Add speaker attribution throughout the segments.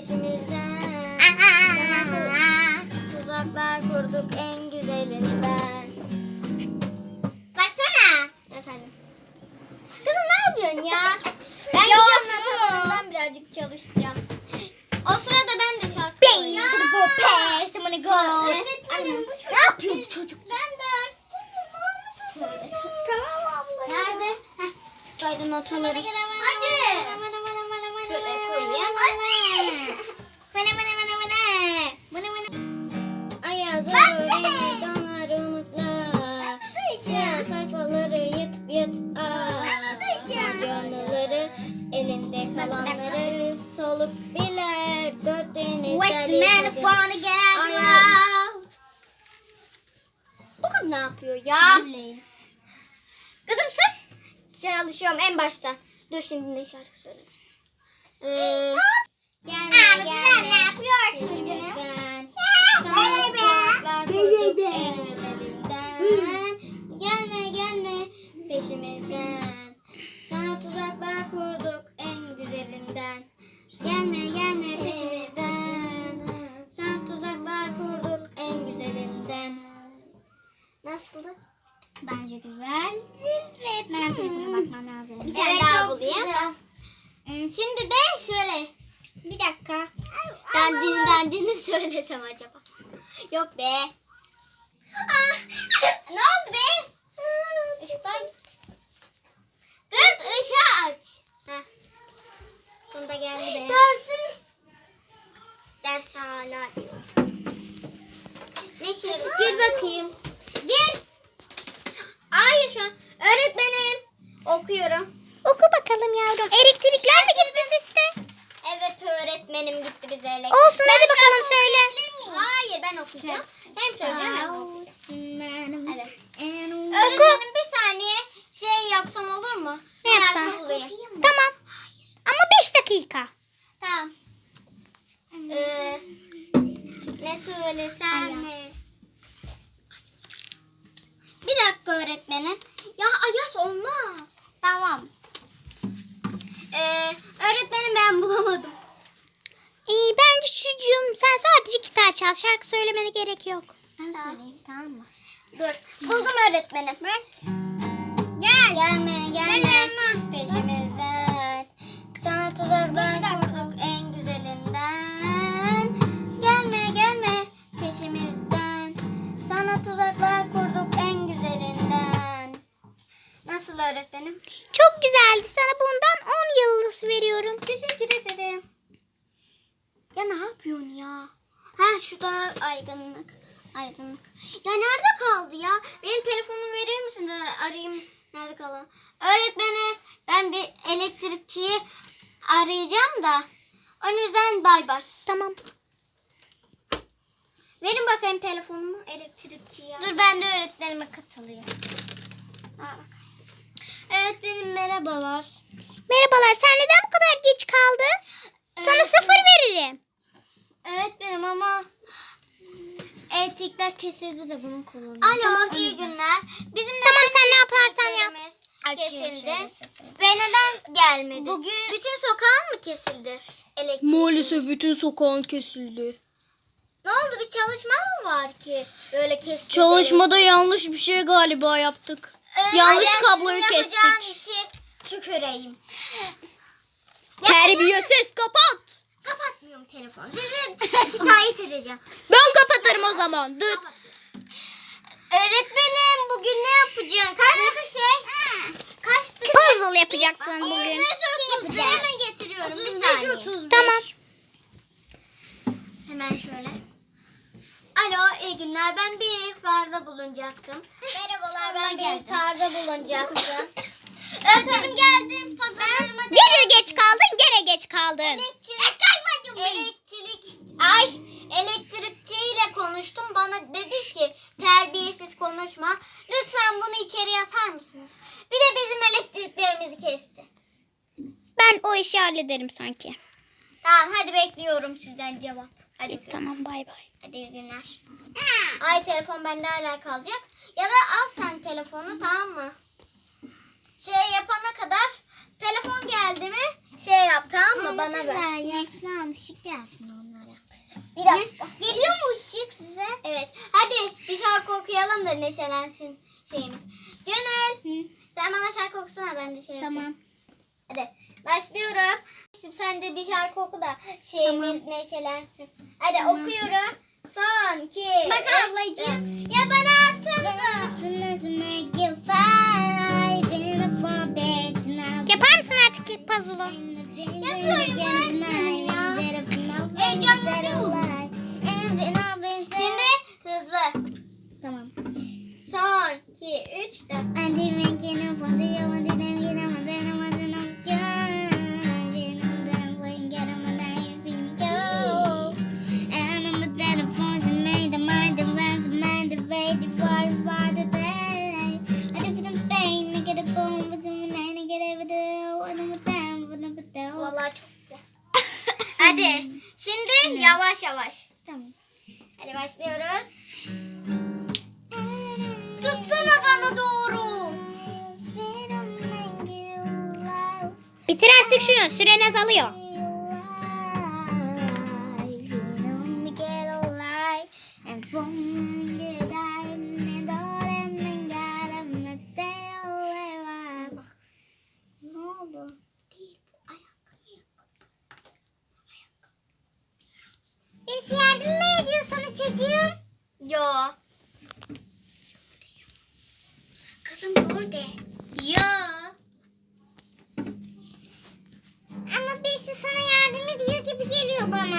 Speaker 1: peşimizden. Tuzaklar kurduk en güzelinden. Baksana. Efendim. Kızım ne yapıyorsun ya? Ben gidiyorum notalarımdan birazcık çalışacağım. O sırada ben de şarkı söyleyeceğim. Öğretmenim bu çocuk. Ne yapıyor bu çocuk? Ben dersteyim. Tamam abla. Nerede? Heh. Şuradaydı notaları. Hadi. Şöyle koyayım. Ayaz öğrenir donar umutla. Siyah sayfaları yatıp Yanıları elinde kalanları solup biler dört denizler. Bu kız ne yapıyor ya? Kızım sus. Çalışıyorum en başta. Dur şimdi ne şarkı söyleyeceğim. Sen ne yapıyorsun canım? Sana tuzaklar kurduk en güzelinden. Gelme peşimizden. Sana tuzaklar kurduk en güzelinden. Gelme peşimizden. Sana tuzaklar kurduk en güzelinden. Nasıldı?
Speaker 2: Bence güzeldi ve ben telefona bakmam lazım.
Speaker 1: Bir tane daha bulayım. Şimdi de şöyle.
Speaker 2: Bir dakika.
Speaker 1: Dandini söylesem acaba? Yok be. Ne oldu be? Işıklar gitti. Kız ışığı aç. Heh. Sonunda geldi be. Ders hala diyor. Ne şey? Gir bakayım. Gir. Hayır şu an. Öğretmenim. Okuyorum.
Speaker 2: Oku bakalım yavrum. Elektrikler mi gitti sizde?
Speaker 1: Evet öğretmenim gitti bize elektrik.
Speaker 2: Olsun hadi bakalım söyle.
Speaker 1: Hayır ben okuyacağım. Hem söyleyeceğim hem okuyacağım. Hadi.
Speaker 2: Oku.
Speaker 1: Öğretmenim bir saniye şey yapsam olur mu?
Speaker 2: Ne yapsam?
Speaker 1: Dersi bulayım.
Speaker 2: Tamam. Ama 5 dakika.
Speaker 1: Tamam. Ne söylesem ne? Bir dakika öğretmenim. Ya Ayaz olmaz. Tamam. Öğretmenim ben bulamadım.
Speaker 2: Bence çocuğum sen sadece gitar çal. Şarkı söylemene gerek yok.
Speaker 1: Ben söyleyeyim tamam mı? Dur. Buldum öğretmenim. Bak. Gelme peşimizden. Sana tuzaklar kurduk en güzelinden. Gelme peşimizden. Sana tuzaklar kurduk en güzelinden. Nasıl öğretmenim?
Speaker 2: Çok güzeldi. Sana bundan 10 yıldız veriyorum.
Speaker 1: Teşekkür ederim. Ya ne yapıyorsun ya? Ha şurada aydınlık. Ya nerede kaldı ya? Benim telefonumu verir misin? Arayayım. Nerede kaldı? Öğretmenim ben bir elektrikçiyi arayacağım da. O yüzden bay bay.
Speaker 2: Tamam.
Speaker 1: Verin bakayım telefonumu elektrikçiye. Dur ben de öğretmenime katılayım. Öğretmenim merhabalar.
Speaker 2: Merhabalar. Sen neden bu kadar geç kaldın? Sana 0 veririm.
Speaker 1: Öğretmenim ama elektrikler kesildi de bunu kullanıyorum. Alo iyi günler. Bizim
Speaker 2: Tamam, sen ne yaparsan yap.
Speaker 1: Kesildi. Ve neden gelmedi? Bugün bütün sokağın mı kesildi? Elektrik.
Speaker 3: Maalesef bütün sokağın kesildi.
Speaker 1: Ne oldu bir çalışma mı var ki böyle kesildi?
Speaker 3: Çalışmada yanlış bir şey galiba yaptık. Yanlış kabloyu
Speaker 1: Yapacağın
Speaker 3: kestik.
Speaker 1: işi tüküreyim.
Speaker 3: Terbiyesiz kapat.
Speaker 1: Kapatmıyorum telefonu. Sizi şikayet edeceğim.
Speaker 3: Ben kapatırım o zaman. Dıt.
Speaker 1: Öğretmenim bugün ne yapacaksın? Kaçtı şey? Kaçtı
Speaker 2: Puzzle yapacaksın bugün.
Speaker 1: Hemen getiriyorum bir saniye.
Speaker 2: Tamam.
Speaker 1: Hemen şöyle. Alo iyi günler ben bir ihbarda bulunacaktım. Merhabalar ben bir ihbarda bulunacaktım. Öğretmenim geldim. Pazarlarıma
Speaker 2: Gene geç kaldın.
Speaker 1: elektrikçiyle konuştum. Bana dedi ki terbiyesiz konuşma. Lütfen bunu içeriye atar mısınız? Bir de bizim elektriklerimizi kesti.
Speaker 2: Ben o işi hallederim sanki.
Speaker 1: Tamam hadi bekliyorum sizden cevap. Hadi.
Speaker 2: Tamam bay bay.
Speaker 1: Hadi iyi günler. Ay telefon bende hala kalacak. Ya da al sen telefonu tamam mı? Şey yapana kadar telefon geldi mi şey yap, tamam mı? Bana ver.
Speaker 2: Güzel yaslan ışık gelsin onlara.
Speaker 1: Bir dakika. Geliyor mu ışık size? Evet. Hadi bir şarkı okuyalım da neşelensin şeyimiz. Gönül. Sen bana şarkı okusana, ben de şey yapayım.
Speaker 2: Tamam.
Speaker 1: Hadi başlıyorum. Şimdi sen de bir şarkı oku da şeyimiz neşelensin. Hadi okuyorum. Son, 2,
Speaker 2: Bak
Speaker 1: 3,
Speaker 2: ablacığım.
Speaker 1: Ya bana atsanıza.
Speaker 2: Yapar mısın artık puzzle'u?
Speaker 1: Yapıyorum öğretmenim ya. Heyecanlanıyorum. Şimdi hızlı.
Speaker 2: Tamam.
Speaker 1: Son, 2, 3, 4. Vallahi çok güzel. Hadi şimdi yavaş yavaş.
Speaker 2: Tamam.
Speaker 1: Hadi başlıyoruz. Tutsana bana doğru.
Speaker 2: Bitir artık şunu. Süren azalıyor.
Speaker 1: Ne oldu?
Speaker 2: Birisi yardım mı ediyor sana çocuğum?
Speaker 1: Yo. Kızım burada. Yo.
Speaker 2: Ama birisi sana yardım ediyor gibi geliyor bana.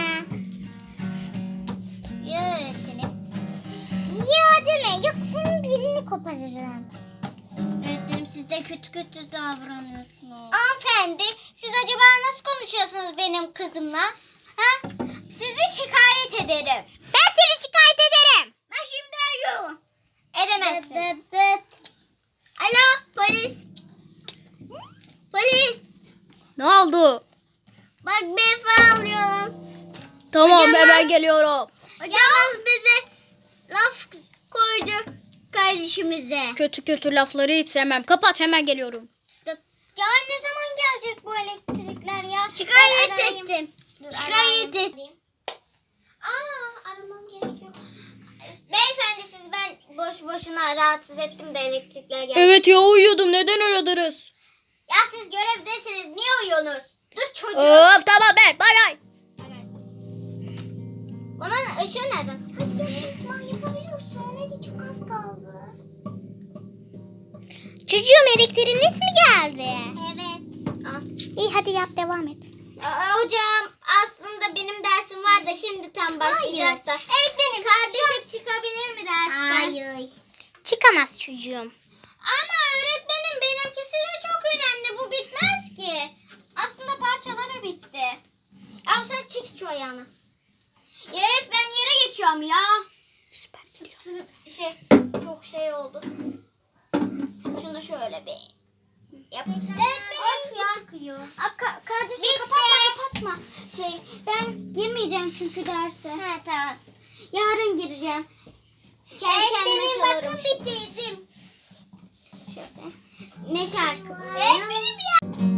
Speaker 1: Yo öğretmenim.
Speaker 2: Ya deme yoksa senin dilini koparırım.
Speaker 1: Öğretmenim siz de kötü kötü davranıyorsunuz. Hanımefendi siz acaba nasıl konuşuyorsunuz benim kızımla? Ha? Sizi şikayet ederim.
Speaker 2: Ben seni şikayet ederim.
Speaker 1: Ben şimdi arıyorum. Edemezsiniz. Alo polis. Polis.
Speaker 3: Ne oldu?
Speaker 1: Bak beyefendi alıyorum.
Speaker 3: Tamam
Speaker 1: Hocam,
Speaker 3: hemen geliyorum.
Speaker 1: Hocamız bize laf koydu kardeşimize.
Speaker 3: Kötü kötü lafları hiç sevmem. Kapat hemen geliyorum.
Speaker 1: Ya ne zaman gelecek bu elektrikler ya? Şikayet ettim. Şikayet ettim. Aramam gerekiyor. Beyefendi siz ben boş boşuna rahatsız ettim de elektrikler geldi.
Speaker 3: Evet ya uyuyordum. Neden aradınız?
Speaker 1: Ya siz görevdesiniz. Niye uyuyorsunuz? Dur çocuğum.
Speaker 3: Of tamam be. Bay bay.
Speaker 1: Bunun ışığı nereden? Hadi ya İsmail yapabiliyorsun. Hadi çok az kaldı.
Speaker 2: Çocuğum elektriğiniz mi geldi?
Speaker 1: Evet. Al.
Speaker 2: İyi hadi yap devam et.
Speaker 1: Hocam aslında benim dersim var da şimdi tam başlayacak da. Öğretmenim kardeşim çıkabilir mi dersten?
Speaker 2: Hayır. Çıkamaz çocuğum.
Speaker 1: Ama öğretmenim benimkisi de çok önemli. Bu bitmez ki. Aslında parçaları bitti. Ya sen çek şu ayağını. Ya ben yere geçiyorum ya.
Speaker 2: Süper.
Speaker 1: Çok şey oldu. Şunu da şöyle bir yap. Öğretmenim ya. Çıkıyor. Kardeşim kapatma. Ben girmeyeceğim çünkü derse. He tamam. Yarın gireceğim. Kendime çalarım. Bakın bitirdim. Şöyle. Ne şarkı? Öğretmenim ya.